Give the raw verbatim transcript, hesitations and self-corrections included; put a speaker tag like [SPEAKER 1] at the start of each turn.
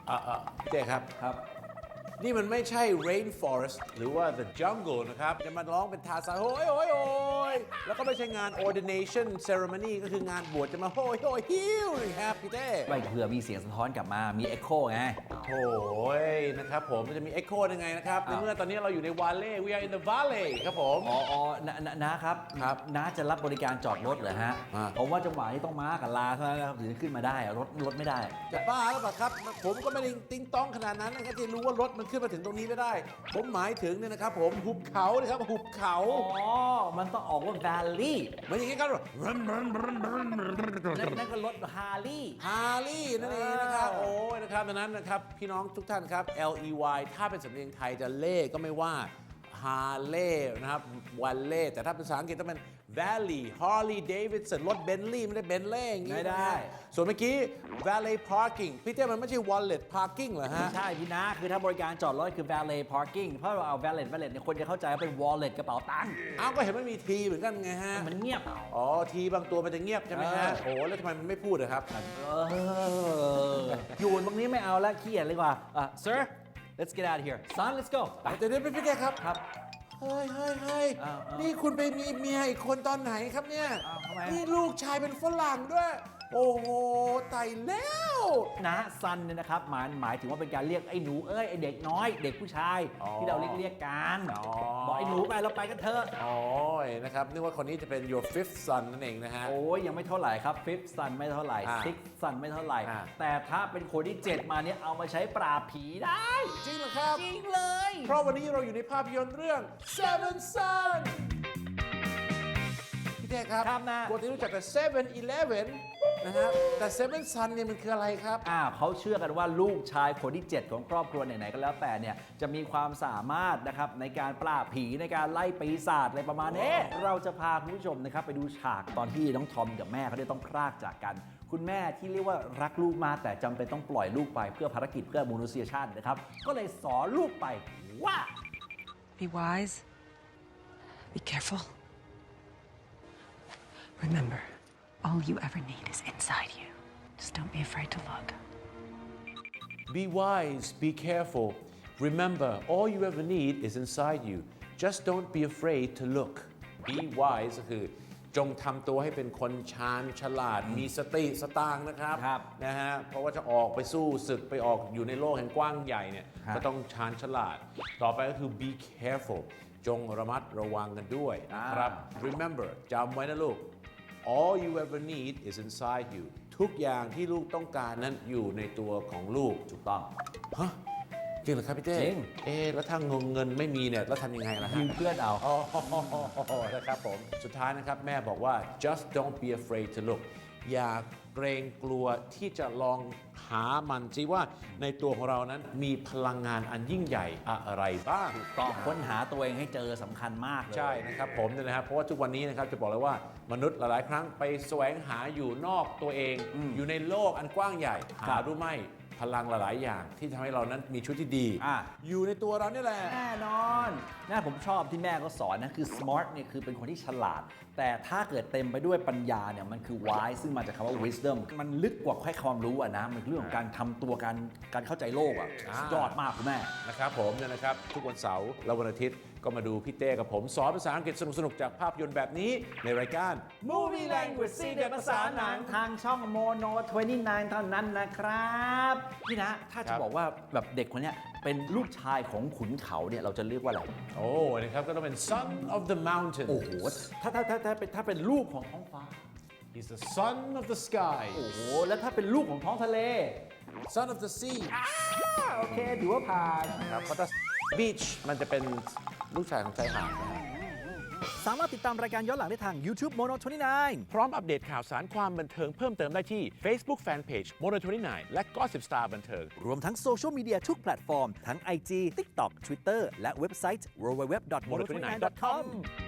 [SPEAKER 1] อ่าพี่เต้ครับครับนี่มันไม่ใช่ rainforest หรือว่า the jungle นะครับจะมาร้องเป็นทาซานโอ้ยโอ้ยโอ้ยแล้วก็ไม่ใช่งาน ordination ceremony ก็คืองานบวชจะมาโอ้ยโอ้ยฮิวนะครับพี่เต้
[SPEAKER 2] ไม่เผื่อมีเสียงสะท้อนกลับมามี echo ไง
[SPEAKER 1] โอ้ยนะครับผมมันจะมี echo ยังไงนะครับในเมื่อตอนนี้เราอยู่ใน valley we are in the valley ครับผม
[SPEAKER 2] อ๋ออ๋อนะครับ
[SPEAKER 1] ครับ
[SPEAKER 2] น้าจะรับบริการจอดรถเหรอฮะผมว่าจังหวะที่ต้องม้ากับลาเท่านั้นนะครับถึงจะขึ้นมาได้รถรถไม่ได้
[SPEAKER 1] จะบ้าหรือเปล่าครับผมก็ไม่ได้ติ้งต้องขนาดนั้นนะครับที่รู้ว่ารถมันขึ้นมาถึงตรงนี้ไม่ได้ผมหมายถึงเนี่ยนะครับผมหุบเขานะครับหุบเขา
[SPEAKER 2] อ๋อมันต้องออกว่า valley
[SPEAKER 1] มันอย่างงี้ครับ
[SPEAKER 2] นั่นก็รถฮาร์ลีย์
[SPEAKER 1] ฮาร์ลีย์นั่นเองนะครับโอ้ยนะครับดังนั้นนะครับพี่น้องทุกท่านครับ L E Y ถ้าเป็นสำเนียงไทยจะเล่ก็ไม่ว่าฮาร์เลย์นะครับวันเล่แต่ถ้าเป็นภาษาอังกฤษต้องเป็น Valley Harley Davidson รถเบนลี่ไม่ได้เบนเล่อย่างงี้
[SPEAKER 2] ไม่ได้
[SPEAKER 1] ส่วนเมื่อกี้ Valet Parking พี่เต้มันไม่ใช่ Wallet Parking เหรอฮะ
[SPEAKER 2] ใช่พี่นะคือถ้าบริการจอดรถคือ Valet Parking เพราะเราเอา Valet Valet เนี่ยคนจะเข้าใจว่าเป็น Wallet กระเป๋าตังค์
[SPEAKER 1] อ้าวก็เห็นไม่มีทีเหมือนกันไงฮะ
[SPEAKER 2] มันเงียบ
[SPEAKER 1] อ๋อทีบางตัวมันจะเงียบใช่ไหมฮะโอ้แล้วทำไมมันไม่พูดอะครับ
[SPEAKER 2] อยู่บางนี้ไม่เอาแล้วขี้เกียจเลยกว่า sir let's get out of here son let's go
[SPEAKER 1] เดี๋ยวเดี๋ยวพี่เต้ครับ
[SPEAKER 2] ครับ
[SPEAKER 1] เฮ้ยเฮ้ยเฮ้ยนี่คุณไปมีเมียอีกคนตอนไหนครับเนี่ยนี่ลูกชายเป็นฝรั่งด้วยโอ้โหตายแล้ว
[SPEAKER 2] นะซันเนี่ยนะครับหมายหมายถึงว่าเป็นการเรียกไอ้หนูเอ้ยไอ้เด็กน้อยเด็กผู้ชายที่เราเรียกเรียกกันบอกไอ้หนูไปเราไปกันเถอะ
[SPEAKER 1] โอ้ยนะครับนึกว่าคนนี้จะเป็น your fifth son นั่นเองนะฮะ
[SPEAKER 2] โอ้ยยังไม่เท่าไหร่ครับ fifth son ไม่เท่าไหร่ sixth son ไม่เท่าไหร่แต่ถ้าเป็นคนที่เจ็ดมาเนี่ยเอามาใช้ปราบผีได้
[SPEAKER 1] จริงเหรอครับ
[SPEAKER 2] จริงเลย
[SPEAKER 1] เพราะวันนี้เราอยู่ในภาพยนตร์เรื่อง seven son พี่เต้ครับ
[SPEAKER 2] ครับนะ
[SPEAKER 1] ปกติรู้จักแต่ seven eleven นะฮะแต่ seven son เนี่ยมันคืออะไรครับ
[SPEAKER 2] อ่าเขาเชื่อกันว่าลูกชายคนที่เจ็ดของครอบครัวไหนๆก็แล้วแต่เนี่ยจะมีความสามารถนะครับในการปราบผีในการไล่ปีศาจอะไรประมาณนี้เราจะพาคุณผู้ชมนะครับไปดูฉากตอนที่น้องทอมกับแม่เขาได้ต้องพรากจากกันคุณแม่ที่เรียกว่ารักลูกมากแต่จำเป็นต้องปล่อยลูกไปเพื่อภารกิจเพื่อมนุษยชาตินะครับก็เลยสอนลูกไปว่า
[SPEAKER 3] Be wise Be careful Remember all you ever need is inside you just don't be afraid to look
[SPEAKER 1] Be wise be careful Remember all you ever need is inside you just don't be afraid to look Be wise ก็คือจงทำตัวให้เป็นคนชาญฉลาดมีสติสตางค์นะครับนะฮะเพราะว่าจะออกไปสู้ศึกไปออกอยู่ในโลกแห่งกว้างใหญ่เนี่ยก็ต้องชาญฉลาดต่อไปก็คือ be careful จงระมัดระวังกันด้วยนะครับ remember จำไว้นะลูก all you ever need is inside you ทุกอย่างที่ลูกต้องการนั้นอยู่ในตัวของลูก
[SPEAKER 2] ถูกต้อง
[SPEAKER 1] ฮะจริงเหรอครับพี่เต้
[SPEAKER 2] จริง
[SPEAKER 1] เอ๊แล้วถ้าเงินไม่มีเนี่ยแล้วทำยังไงล่ะฮะ
[SPEAKER 2] ยืมเพื่อนเอา
[SPEAKER 1] อ๋อนะครับผมสุดท้ายนะครับแม่บอกว่า just don't be afraid to look อย่าเกรงกลัวที่จะลองหามันสิว่าในตัวของเรานั้นมีพลังงานอันยิ่งใหญ่อะไรบ้าง
[SPEAKER 2] ต้องค้นหาตัวเองให้เจอสำคัญมากเลย
[SPEAKER 1] ใช่นะครับผมเนี่ยนะครับเพราะว่าทุกวันนี้นะครับจะบอกเลยว่ามนุษย์หลายๆครั้งไปแสวงหาอยู่นอกตัวเองอ อยู่ในโลกอันกว้างใหญ่หารู้ไหมพลังหลายๆอย่างที่ทำให้เรานั้นมีชีวิตที่ดีออยู่ในตัวเรานี่แหละ
[SPEAKER 2] แน่นอนน่าผมชอบที่แม่ก็สอนนะคือ smart เนี่ยคือเป็นคนที่ฉลาดแต่ถ้าเกิดเต็มไปด้วยปัญญาเนี่ยมันคือ wise ซึ่งมาจากคำว่า wisdom มันลึกกว่าแค่ความรู้อะนะมันเรื่องของการทำตัวการการเข้าใจโลกอะยอดมากคุณแม่
[SPEAKER 1] นะครับผมเนี่ยนะครับทุกวันเสาร์และวันอาทิตย์ก็มาดูพี่เต้กับผมสอนภาษาอังกฤษสนุกๆจากภาพยนตร์แบบนี้ในรายการ
[SPEAKER 2] Movie Language ซีเด็ดภาษาหนังทางช่อง Mono ยี่สิบเก้า เท่านั้นนะครับพี่นะถ้าจะบอกว่าแบบเด็กคนนี้เป็นลูกชายของขุนเขาเนี่ยเราจะเรียกว่าอะไร
[SPEAKER 1] โอ้นะครับก็ต้องเป็น son of the mountain
[SPEAKER 2] โอ้โหถ้าถ้าถ้าถ้าเป็นถ้าเป็นลูกของท้องฟ้า
[SPEAKER 1] he's the son of the sky
[SPEAKER 2] โอ้โหแล้วถ้าเป็นลูกของท้องทะเล
[SPEAKER 1] son of the sea
[SPEAKER 2] โอเคถือว่าผ่าน
[SPEAKER 1] ครับเพราะถ้า beach มันจะเป็นลูกชายของชายหาด
[SPEAKER 2] สามารถติดตามรายการย้อนหลังได้ทาง YouTube Mono ยี่สิบเก้า
[SPEAKER 1] พร้อมอัปเดตข่าวสารความบันเทิงเพิ่มเติมได้ที่ Facebook Fanpage Mono ยี่สิบเก้า และ Gossip Star บันเทิง
[SPEAKER 2] รวมทั้งโซเชียลมีเดียทุกแพลตฟอร์มทั้ง ไอ จี TikTok Twitter และเว็บไซต์ ดับเบิลยู ดับเบิลยู ดับเบิลยู ดอท โมโน ยี่สิบเก้า ดอท คอม